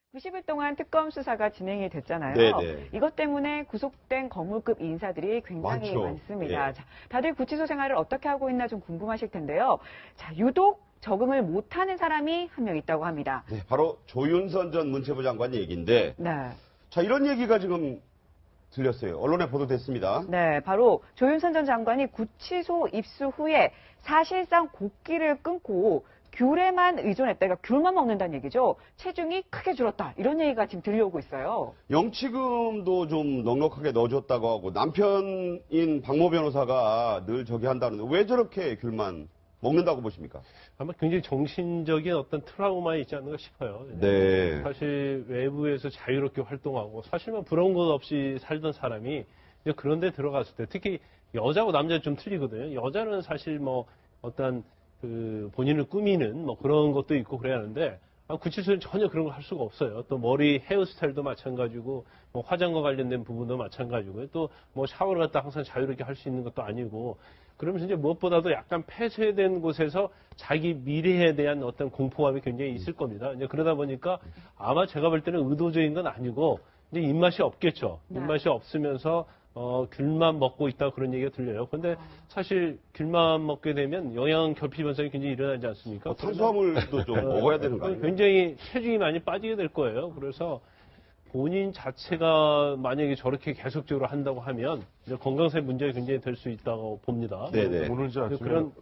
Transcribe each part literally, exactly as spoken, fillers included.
구십 일 동안 특검 수사가 진행이 됐잖아요. 네네. 이것 때문에 구속된 거물급 인사들이 굉장히 많죠. 많습니다. 예. 자, 다들 구치소 생활을 어떻게 하고 있나 좀 궁금하실 텐데요. 자, 유독 적응을 못하는 사람이 한 명 있다고 합니다. 네, 바로 조윤선 전 문체부 장관 얘기인데, 네. 자, 이런 얘기가 지금 들렸어요. 언론에 보도됐습니다. 네, 바로 조윤선 전 장관이 구치소 입수 후에 사실상 곡기를 끊고 귤에만 의존했다. 그러니까 귤만 먹는다는 얘기죠. 체중이 크게 줄었다. 이런 얘기가 지금 들려오고 있어요. 영치금도 좀 넉넉하게 넣어줬다고 하고, 남편인 박모 변호사가 늘 저기 한다는데, 왜 저렇게 귤만 먹는다고 보십니까? 아마 굉장히 정신적인 어떤 트라우마 있지 않는가 싶어요. 네. 사실 외부에서 자유롭게 활동하고 사실만 부러운 것 없이 살던 사람이 이제 그런 데 들어갔을 때 특히 여자하고 남자는 좀 틀리거든요. 여자는 사실 뭐 어떤 그 본인을 꾸미는 뭐 그런 것도 있고 그래야 하는데 아, 구치소는 전혀 그런 걸 할 수가 없어요. 또 머리 헤어스타일도 마찬가지고 뭐 화장과 관련된 부분도 마찬가지고 또 뭐 샤워를 갖다 항상 자유롭게 할 수 있는 것도 아니고 그러면서 이제 무엇보다도 약간 폐쇄된 곳에서 자기 미래에 대한 어떤 공포감이 굉장히 있을 겁니다. 이제 그러다 보니까 아마 제가 볼 때는 의도적인 건 아니고 이제 입맛이 없겠죠. 네. 입맛이 없으면서 어, 귤만 먹고 있다 그런 얘기가 들려요. 근데 사실 귤만 먹게 되면 영양 결핍 현상이 굉장히 일어나지 않습니까? 어, 탄수화물도 좀 먹어야 되는 거 아니에요? 굉장히 체중이 많이 빠지게 될 거예요. 그래서 본인 자체가 만약에 저렇게 계속적으로 한다고 하면 이제 건강상의 문제가 굉장히 될 수 있다고 봅니다. 네네. 오늘 이제 아침에 그런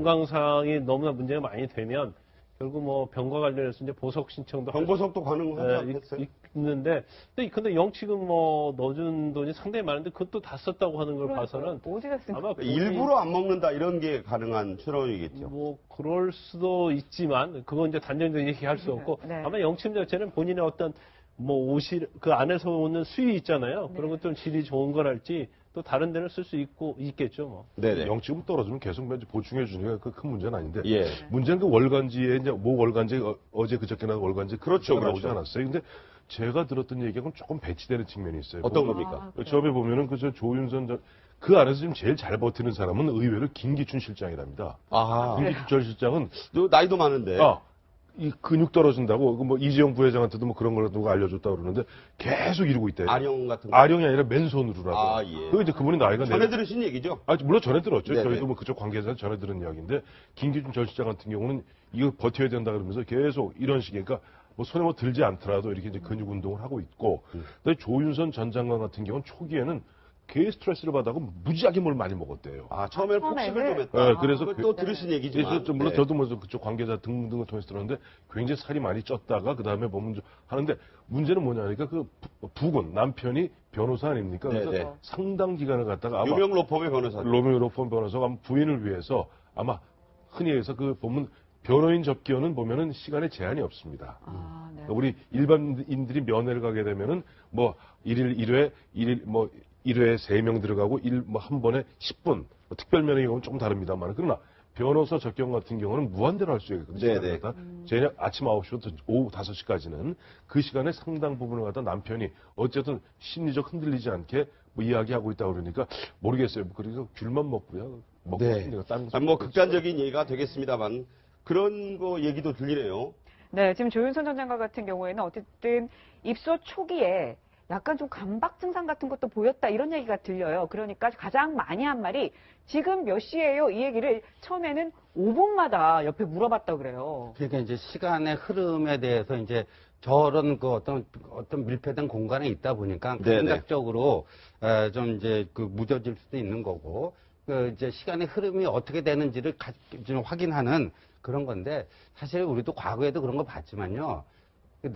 건강상이 너무나 문제가 많이 되면 결국 뭐 병과 관련해서 이제 보석 신청도 할 경보석도 가능하지 예, 않겠어요? 있- 있는데 근데, 근데 영치금 뭐 넣어준 돈이 상당히 많은데 그것도 다 썼다고 하는 걸 봐서는 어디 갔습니까? 아마 본인- 일부러 안 먹는다 이런 게 가능한 추론이겠죠. 뭐 그럴 수도 있지만 그건 이제 단정적으로 얘기할 수 없고 네. 아마 영치금 자체는 본인의 어떤 뭐 옷이 그 안에서 오는 수위 있잖아요. 네. 그런 것들은 질이 좋은 거랄지 또 다른 데는 쓸 수 있고 있겠죠. 뭐. 네네. 영치금 떨어지면 계속 이제 보충해 주니까 그 큰 문제는 아닌데 예. 문제는 그 월간지에 이제 뭐 월간지 어, 어제 그저께 나 월간지 그렇죠, 나오지 그렇죠. 않았어요. 근데 제가 들었던 얘기하고는 조금 배치되는 측면이 있어요. 어떤 뭐, 겁니까? 아, 그래요? 처음에 보면은 그저 조윤선 전, 그 안에서 지금 제일 잘 버티는 사람은 의외로 김기춘 실장이랍니다. 아, 김기춘 전 실장은 너 나이도 많은데. 아, 이 근육 떨어진다고, 그 뭐 이재용 부회장한테도 뭐 그런 걸 누가 알려줬다 그러는데 계속 이러고 있대요. 아령 같은 거. 아령이 아니라 맨손으로라고. 아, 예. 그 이제 그분이 나이가 전에 내- 들으신 얘기죠? 아, 물론 전에 들었죠. 네네. 저희도 뭐 그쪽 관계자 전에 들은 이야기인데, 김기준 전 실장 같은 경우는 이거 버텨야 된다 그러면서 계속 이런 식의, 그러니까 뭐 손에 뭐 들지 않더라도 이렇게 이제 근육 운동을 하고 있고, 음. 근데 조윤선 전 장관 같은 경우는 초기에는 개 스트레스를 받아서 무지하게 뭘 많이 먹었대요. 아, 처음에는 아, 폭식을 처음에는? 좀 했다. 네, 그래서 그걸 또 그- 들으신 그래서 얘기지만. 좀 물론 네. 저도 뭐 그쪽 관계자 등등을 통해서 들었는데 굉장히 살이 많이 쪘다가 그 다음에 보면 좀 하는데 문제는 뭐냐니까 그 부- 부군 남편이 변호사 아닙니까? 그래서 네네. 상당 기간을 갖다가 아마 유명 로펌의 변호사. 로미오 로폰 변호사가 아마 부인을 위해서 아마 흔히 해서 그 보면 변호인 접견은 보면은 시간에 제한이 없습니다. 아, 네. 그러니까 우리 일반인들이 면회를 가게 되면은 뭐 일일 일 회, 일일 뭐 일 회에 세 명 들어가고 일 뭐 한 번에 십 분. 뭐 특별 면회의 경우는 조금 다릅니다만 그러나 변호사 접견 같은 경우는 무한대로 할 수 있거든요. 네네. 저녁 아침 아홉 시부터 오후 다섯 시까지는 그 시간에 상당 부분을 갖다 남편이 어쨌든 심리적 흔들리지 않게 뭐 이야기하고 있다 그러니까 모르겠어요. 그러니까 귤만 먹고요. 먹고 네. 싶은데 다른 아, 뭐 극단적인 얘기가 되겠습니다만 그런 거 얘기도 들리네요. 네, 지금 조윤선 전 장관 같은 경우에는 어쨌든 입소 초기에 약간 좀 감박 증상 같은 것도 보였다 이런 얘기가 들려요. 그러니까 가장 많이 한 말이 지금 몇 시예요? 이 얘기를 처음에는 오 분마다 옆에 물어봤다 그래요. 그러니까 이제 시간의 흐름에 대해서 이제 저런 그 어떤 어떤 밀폐된 공간에 있다 보니까 네네. 감각적으로 에, 좀 이제 그 무뎌질 수도 있는 거고 그 이제 시간의 흐름이 어떻게 되는지를 가, 좀 확인하는 그런 건데 사실 우리도 과거에도 그런 거 봤지만요. 그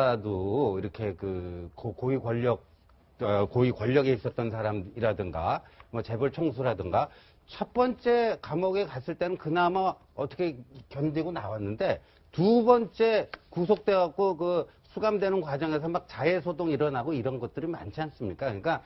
남자도 이렇게 그 고- 고위 권력 어, 고위 권력에 있었던 사람이라든가 뭐 재벌 총수라든가 첫 번째 감옥에 갔을 때는 그나마 어떻게 견디고 나왔는데 두 번째 구속돼 갖고 그 수감되는 과정에서 막 자해 소동 일어나고 이런 것들이 많지 않습니까? 그러니까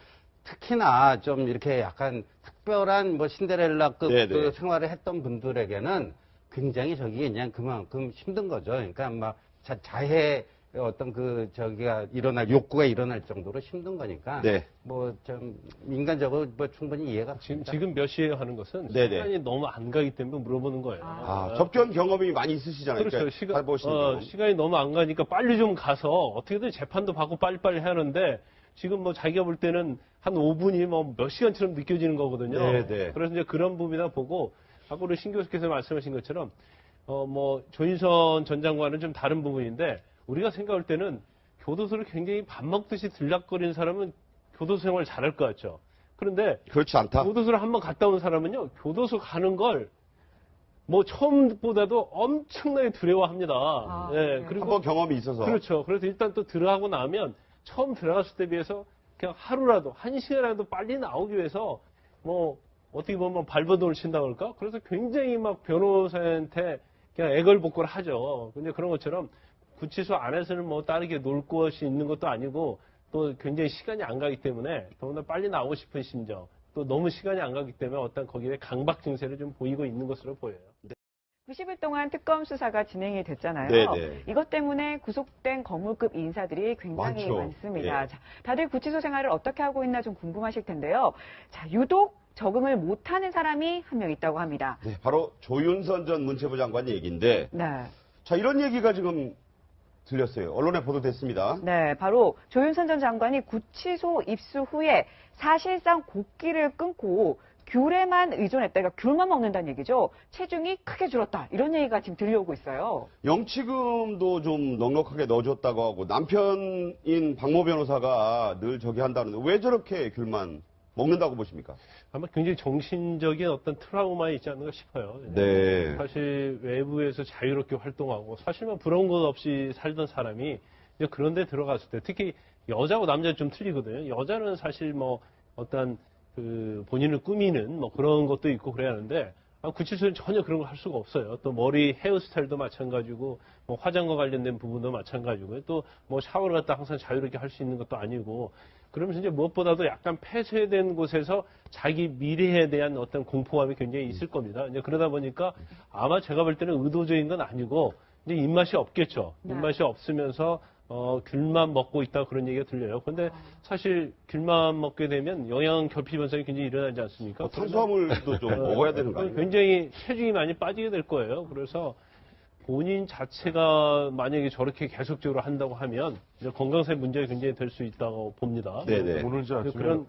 특히나 좀 이렇게 약간 특별한 뭐 신데렐라급 네네. 그 생활을 했던 분들에게는 굉장히 저기 그냥 그만큼 힘든 거죠. 그러니까 막 자, 자해 어떤 그 저기가 일어날 욕구가 일어날 정도로 힘든 거니까 네. 뭐 좀 인간적으로 뭐 충분히 이해가 지금, 갑니다. 지금 몇 시에 하는 것은 네네. 시간이 너무 안 가기 때문에 물어보는 거예요. 아, 접견 경험이 많이 있으시잖아요. 그렇죠. 그러니까 시간, 해보시는 어, 경험. 시간이 너무 안 가니까 빨리 좀 가서 어떻게든 재판도 받고 빨리빨리 하는데 지금 뭐 자기가 볼 때는 한 오 분이 뭐 몇 시간처럼 느껴지는 거거든요. 네, 네. 그래서 이제 그런 부분이다 보고 아까 우리 신 교수께서 말씀하신 것처럼 어, 뭐 조인선 전 장관은 좀 다른 부분인데 우리가 생각할 때는 교도소를 굉장히 밥 먹듯이 들락거리는 사람은 교도소 생활 잘할 것 같죠. 그런데 그렇지 않다. 교도소를 한번 갔다 온 사람은요, 교도소 가는 걸 뭐 처음보다도 엄청나게 두려워합니다. 아, 예, 네. 그리고 한번 경험이 있어서. 그렇죠. 그래서 일단 또 들어가고 나면 처음 들어갔을 때 비해서 그냥 하루라도 한 시간이라도 빨리 나오기 위해서 뭐 어떻게 보면 발버둥을 친다고 할까? 그래서 굉장히 막 변호사한테 그냥 애걸복걸 하죠. 근데 그런 것처럼 구치소 안에서는 뭐 다르게 놀 곳이 있는 것도 아니고 또 굉장히 시간이 안 가기 때문에 더구나 빨리 나오고 싶은 심정 또 너무 시간이 안 가기 때문에 어떤 거기에 강박 증세를 좀 보이고 있는 것으로 보여요. 구십 일 동안 특검 수사가 진행이 됐잖아요. 네네. 이것 때문에 구속된 거물급 인사들이 굉장히 많죠. 많습니다. 예. 자, 다들 구치소 생활을 어떻게 하고 있나 좀 궁금하실 텐데요. 자, 유독 적응을 못하는 사람이 한 명 있다고 합니다. 네, 바로 조윤선 전 문체부 장관 얘기인데, 네. 자, 이런 얘기가 지금 들렸어요. 언론에 보도됐습니다. 네, 바로 조윤선 전 장관이 구치소 입수 후에 사실상 곡기를 끊고 귤에만 의존했다. 그러니까 귤만 먹는다는 얘기죠. 체중이 크게 줄었다. 이런 얘기가 지금 들려오고 있어요. 영치금도 좀 넉넉하게 넣어줬다고 하고, 남편인 박모 변호사가 늘 저기 한다는데, 왜 저렇게 귤만 먹는다고 보십니까? 아마 굉장히 정신적인 어떤 트라우마에 있지 않는가 싶어요. 네. 사실 외부에서 자유롭게 활동하고 사실 뭐 부러운 것 없이 살던 사람이 이제 그런 데 들어갔을 때 특히 여자하고 남자는 좀 틀리거든요. 여자는 사실 뭐 어떤 그 본인을 꾸미는 뭐 그런 것도 있고 그래야 하는데 아, 구치소는 전혀 그런 걸 할 수가 없어요. 또 머리 헤어스타일도 마찬가지고 뭐 화장과 관련된 부분도 마찬가지고요. 또 뭐 샤워를 갖다 항상 자유롭게 할 수 있는 것도 아니고 그러면서 이제 무엇보다도 약간 폐쇄된 곳에서 자기 미래에 대한 어떤 공포감이 굉장히 있을 겁니다. 이제 그러다 보니까 아마 제가 볼 때는 의도적인 건 아니고 이제 입맛이 없겠죠. 네. 입맛이 없으면서 어, 귤만 먹고 있다 그런 얘기가 들려요. 그런데 사실 귤만 먹게 되면 영양 결핍 현상이 굉장히 일어나지 않습니까? 어, 탄수화물도 좀 어, 먹어야 되는 거 아니에요? 굉장히 체중이 많이 빠지게 될 거예요. 그래서 본인 자체가 만약에 저렇게 계속적으로 한다고 하면 이제 건강상의 문제가 굉장히 될 수 있다고 봅니다. 네네. 오늘 이제 아침에 그런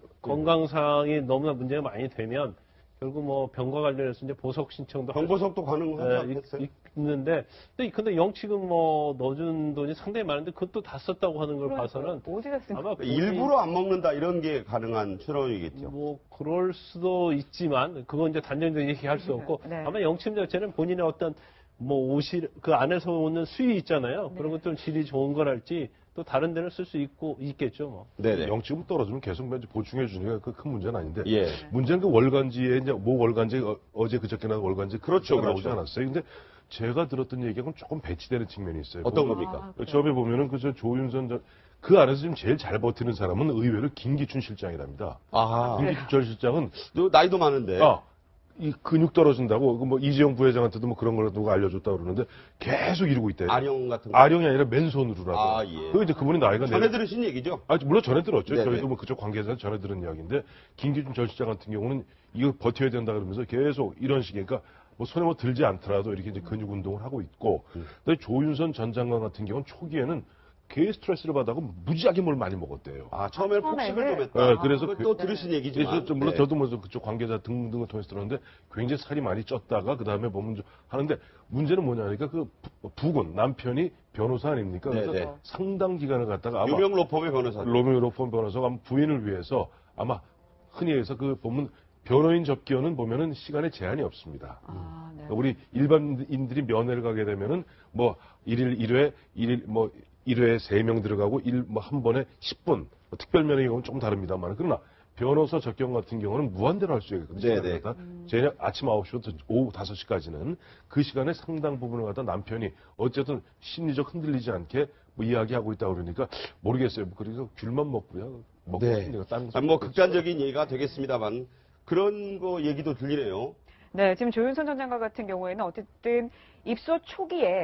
건강상이 너무나 문제가 많이 되면 결국 뭐 병과 관련해서 이제 보석 신청도 할 병보석도 가능하지 예, 않겠어요? 있- 있는데 근데, 근데 영치금 뭐 넣어준 돈이 상당히 많은데 그것도 다 썼다고 하는 걸 봐서는 어디다 쓴 아마 본인- 일부러 안 먹는다 이런 게 가능한 추론이겠죠. 뭐 그럴 수도 있지만 그건 이제 단정적인 얘기할 수 없고 네. 아마 영치금 자체는 본인의 어떤 뭐 옷이 그 안에서 오는 수위 있잖아요. 네. 그런 것들 질이 좋은 거랄지 또 다른 데는 쓸 수 있고 있겠죠. 뭐. 네네. 영치금 떨어지면 계속 뭐 이제 보충해 주니까 그 큰 문제는 아닌데 예. 문제는 그 월간지에 이제 뭐 월간지 어, 어제 그저께 나온 월간지 그렇죠, 나오지 그렇죠. 않았어요. 근데 제가 들었던 얘기하고는 조금 배치되는 측면이 있어요. 어떤 보면 겁니까? 아, 그래요? 처음에 보면은 그 저 조윤선 전, 그 안에서 지금 제일 잘 버티는 사람은 의외로 김기춘 실장이랍니다. 아, 김기춘 전 실장은 너 나이도 많은데. 아, 이 근육 떨어진다고 그 뭐 이재용 부회장한테도 뭐 그런 걸 누가 알려줬다 그러는데 계속 이러고 있대요. 아령 같은 거. 아령이 아니라 맨손으로라고. 아, 예. 그 이제 그분이 나이가 전에 내- 들으신 얘기죠? 아, 물론 전에 들었죠. 네네. 저희도 뭐 그쪽 관계자는 전에 들은 이야기인데, 김기준 전 실장 같은 경우는 이거 버텨야 된다 그러면서 계속 이런 식의, 그러니까 뭐 손에 뭐 들지 않더라도 이렇게 이제 근육 운동을 하고 있고, 음. 근데 조윤선 전 장관 같은 경우는 초기에는 개 스트레스를 받아고 무지하게 뭘 많이 먹었대요. 아, 처음에 처음에는- 폭식을 좀 했다. 네, 그래서 그거 그- 또 들으신 예, 얘기지만. 저- 저 물론 네. 저도 뭐 그쪽 관계자 등등을 통해서 들었는데 굉장히 살이 많이 쪘다가 그 다음에 보면 좀 하는데 문제는 뭐냐니까 그 부- 부군 남편이 변호사 아닙니까? 그래서 네네. 상당 기간을 갖다가 아마 유명 로펌의 변호사. 로미오 로폰 변호사가 아마 부인을 위해서 아마 흔히 해서 그 보면 변호인 접견은 보면은 시간에 제한이 없습니다. 아, 네. 그러니까 우리 일반인들이 면회를 가게 되면은 뭐 일일 일 회, 일일 뭐 일 회에 세 명 들어가고 일 뭐 한 번에 십 분. 뭐 특별 면회의 경우는 조금 다릅니다만 그러나 변호사 접견 같은 경우는 무한대로 할 수 있거든요. 네네. 시간을 갖다. 저녁 아침 아홉 시부터 오후 다섯 시까지는 그 시간에 상당 부분을 갖다 남편이 어쨌든 심리적 흔들리지 않게 뭐 이야기하고 있다 그러니까 모르겠어요. 그래서 귤만 먹고요. 먹고 네. 싶으니까 다른 거 아, 뭐 극단적인 얘기가 되겠습니다만 그런 거 얘기도 들리네요. 네, 지금 조윤선 전 장관 같은 경우에는 어쨌든 입소 초기에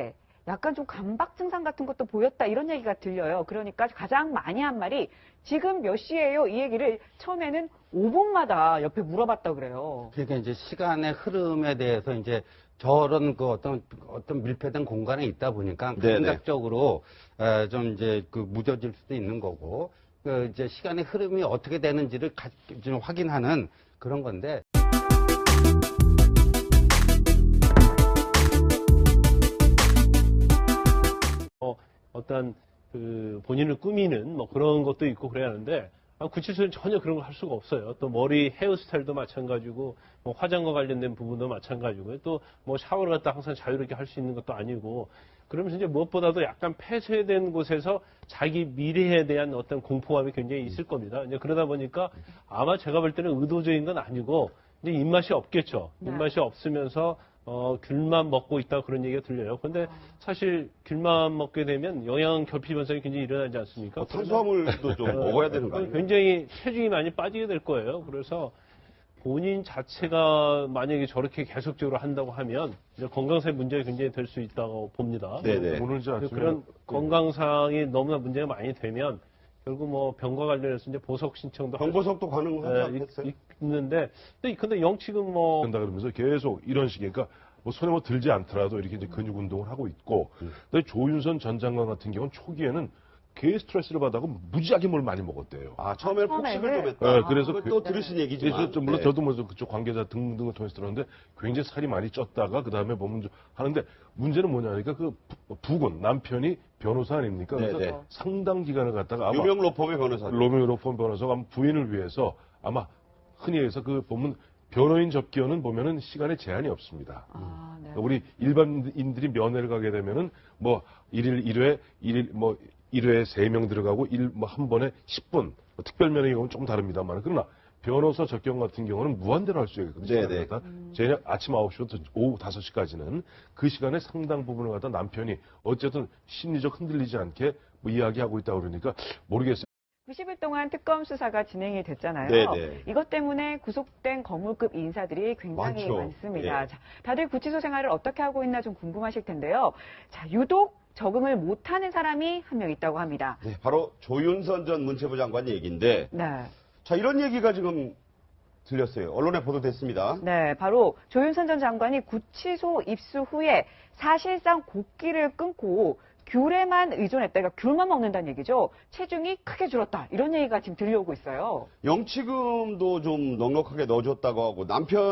약간 좀 감박 증상 같은 것도 보였다 이런 얘기가 들려요. 그러니까 가장 많이 한 말이 지금 몇 시예요? 이 얘기를 처음에는 오 분마다 옆에 물어봤다 그래요. 그러니까 이제 시간의 흐름에 대해서 이제 저런 그 어떤 어떤 밀폐된 공간에 있다 보니까 네네. 감각적으로 에, 좀 이제 그 무뎌질 수도 있는 거고 그 이제 시간의 흐름이 어떻게 되는지를 가, 좀 확인하는 그런 건데. 어, 어떤 그 본인을 꾸미는 뭐 그런 것도 있고 그래야 하는데 아, 구치소는 전혀 그런 걸 할 수가 없어요. 또 머리 헤어스타일도 마찬가지고 뭐 화장과 관련된 부분도 마찬가지고요. 또 뭐 샤워를 갖다 항상 자유롭게 할 수 있는 것도 아니고 그러면서 이제 무엇보다도 약간 폐쇄된 곳에서 자기 미래에 대한 어떤 공포감이 굉장히 있을 겁니다. 이제 그러다 보니까 아마 제가 볼 때는 의도적인 건 아니고 이제 입맛이 없겠죠. 네. 입맛이 없으면서 어, 귤만 먹고 있다 그런 얘기가 들려요. 그런데 사실 귤만 먹게 되면 영양 결핍 현상이 굉장히 일어나지 않습니까? 어, 탄수화물도 좀 어, 먹어야 되는 거 아니에요? 굉장히 체중이 많이 빠지게 될 거예요. 그래서 본인 자체가 만약에 저렇게 계속적으로 한다고 하면 이제 건강상의 문제가 굉장히 될 수 있다고 봅니다. 네네. 오늘 이제 아침에 그런 그 건강상이 너무나 문제가 많이 되면 결국 뭐 병과 관련해서 이제 보석 신청도 할 병보석도 가능하지 수- 않겠어요? 예, 있- 있는데 근데, 근데 영치금 뭐 된다 그러면서 계속 이런 식의 그러니까 뭐 손에 뭐 들지 않더라도 이렇게 이제 근육 운동을 하고 있고 근데 조윤선 전 장관 같은 경우는 초기에는 개 스트레스를 받아고 무지하게 뭘 많이 먹었대요. 아, 처음에 처음에는? 폭식을 좀 했다. 네, 그래서 그거 그- 또 들으신 얘기지만. 그래서 좀 물론 네. 저도 뭐 그쪽 관계자 등등을 통해서 들었는데 굉장히 살이 많이 쪘다가 그 다음에 보면 좀 하는데 문제는 뭐냐니까 그 부- 부군 남편이 변호사 아닙니까? 그래서 네, 네. 상당 기간을 갖다가 아마 유명 로펌의 변호사. 로미오 로폰 변호사가 아마 부인을 위해서 아마 흔히 해서 그 보면 변호인 접견은 보면은 시간에 제한이 없습니다. 아, 네. 그러니까 우리 일반인들이 면회를 가게 되면은 뭐 일일 일 회, 일일 뭐 일 회에 세 명 들어가고 일 뭐 한 번에 십 분. 뭐 특별 면회 경우는 조금 다릅니다만 그러나 변호사 접견 같은 경우는 무한대로 할 수 있거든요. 네네. 시간을 갖다. 저녁 아침 아홉 시부터 오후 다섯 시까지는 그 시간에 상당 부분을 갖다 남편이 어쨌든 심리적 흔들리지 않게 뭐 이야기하고 있다고 그러니까 모르겠어요. 구십 일 동안 특검 수사가 진행이 됐잖아요. 네네. 이것 때문에 구속된 거물급 인사들이 굉장히 많죠. 많습니다. 예. 자, 다들 구치소 생활을 어떻게 하고 있나 좀 궁금하실 텐데요. 자, 유독 적응을 못하는 사람이 한 명 있다고 합니다. 네, 바로 조윤선 전 문체부 장관 얘기인데, 네. 자, 이런 얘기가 지금 들렸어요. 언론에 보도됐습니다. 네, 바로 조윤선 전 장관이 구치소 입수 후에 사실상 곡기를 끊고 귤에만 의존했다. 그러니까 귤만 먹는다는 얘기죠. 체중이 크게 줄었다. 이런 얘기가 지금 들려오고 있어요. 영치금도 좀 넉넉하게 넣어줬다고 하고,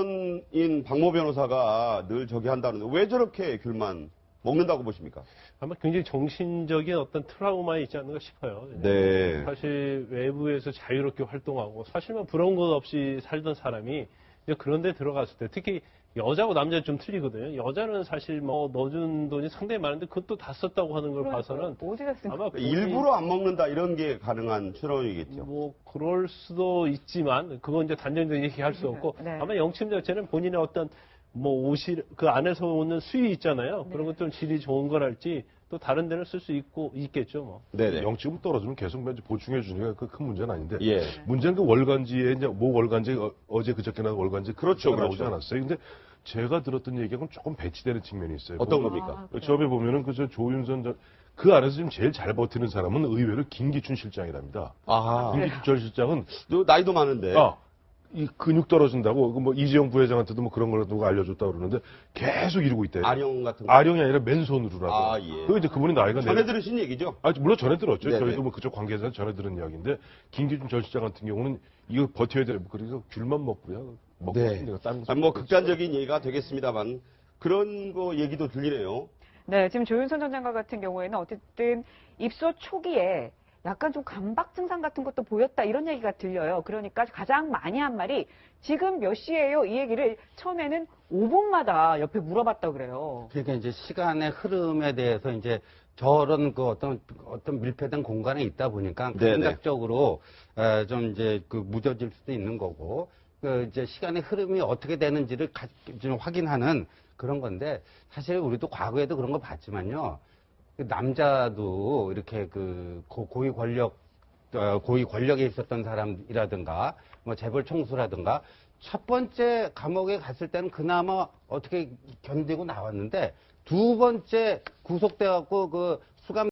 남편인 박모 변호사가 늘 저기 한다는데, 왜 저렇게 귤만 먹는다고 보십니까? 아마 굉장히 정신적인 어떤 트라우마 있지 않는가 싶어요. 네. 사실 외부에서 자유롭게 활동하고 사실 뭐 부러운 것 없이 살던 사람이 이제 그런 데 들어갔을 때 특히 여자하고 남자는 좀 틀리거든요. 여자는 사실 뭐 넣어준 돈이 상당히 많은데 그것도 다 썼다고 하는 걸 봐서는 어디다 쓴 아마 본인- 일부러 안 먹는다, 이런 게 가능한 추론이겠죠. 뭐 그럴 수도 있지만 그건 이제 단정적인 얘기할 수 없고 네. 아마 영침 자체는 본인의 어떤 뭐 옷이 그 안에서 오는 수위 있잖아요. 네. 그런 것들은 질이 좋은 거랄지 또 다른 데는 쓸 수 있고 있겠죠. 뭐. 네네. 영치금 떨어지면 계속 이제 보충해 주니까 그 큰 문제는 아닌데 예. 문제는 그 월간지에 이제 모 월간지 어, 어제 그저께 나온 월간지 그렇죠, 그거 나오지 그렇죠. 않았어요. 근데 제가 들었던 얘기하고는 조금 배치되는 측면이 있어요. 어떤 보면 겁니까? 아, 그래요? 처음에 보면은 그저 조윤선 전, 그 안에서 지금 제일 잘 버티는 사람은 의외로 김기춘 실장이랍니다. 아, 김기춘 전 실장은 너 나이도 많은데. 아, 이 근육 떨어진다고 그뭐 이재용 부회장한테도 뭐 그런 걸 누가 알려줬다고 그러는데 계속 이러고 있대요. 아령 같은 거. 아령이 아니라 맨손으로라도. 아, 예. 그 이제 그분이 나이가 전에 내- 들으신 얘기죠? 아, 물론 전에 들었죠. 네네. 저희도 뭐 그쪽 관계자는 전에 들은 이야기인데, 김기준 전 실장 같은 경우는 이거 버텨야 돼. 그래서 귤만 먹고요. 먹고 네. 싶은데 다른 거 아, 뭐 극단적인 얘기가 되겠습니다만 그런 거 얘기도 들리네요. 네, 지금 조윤선 전 장관 같은 경우에는 어쨌든 입소 초기에 약간 좀 감박 증상 같은 것도 보였다 이런 얘기가 들려요. 그러니까 가장 많이 한 말이 지금 몇 시예요? 이 얘기를 처음에는 오 분마다 옆에 물어봤다 그래요. 그러니까 이제 시간의 흐름에 대해서 이제 저런 그 어떤 어떤 밀폐된 공간에 있다 보니까 네네. 감각적으로 에, 좀 이제 그 무뎌질 수도 있는 거고 그 이제 시간의 흐름이 어떻게 되는지를 가, 좀 확인하는 그런 건데 사실 우리도 과거에도 그런 거 봤지만요. 그 남자도 이렇게 그 고- 고위 권력 어, 고위 권력에 있었던 사람이라든가 뭐 재벌 총수라든가 첫 번째 감옥에 갔을 때는 그나마 어떻게 견디고 나왔는데 두 번째 구속돼갖고 그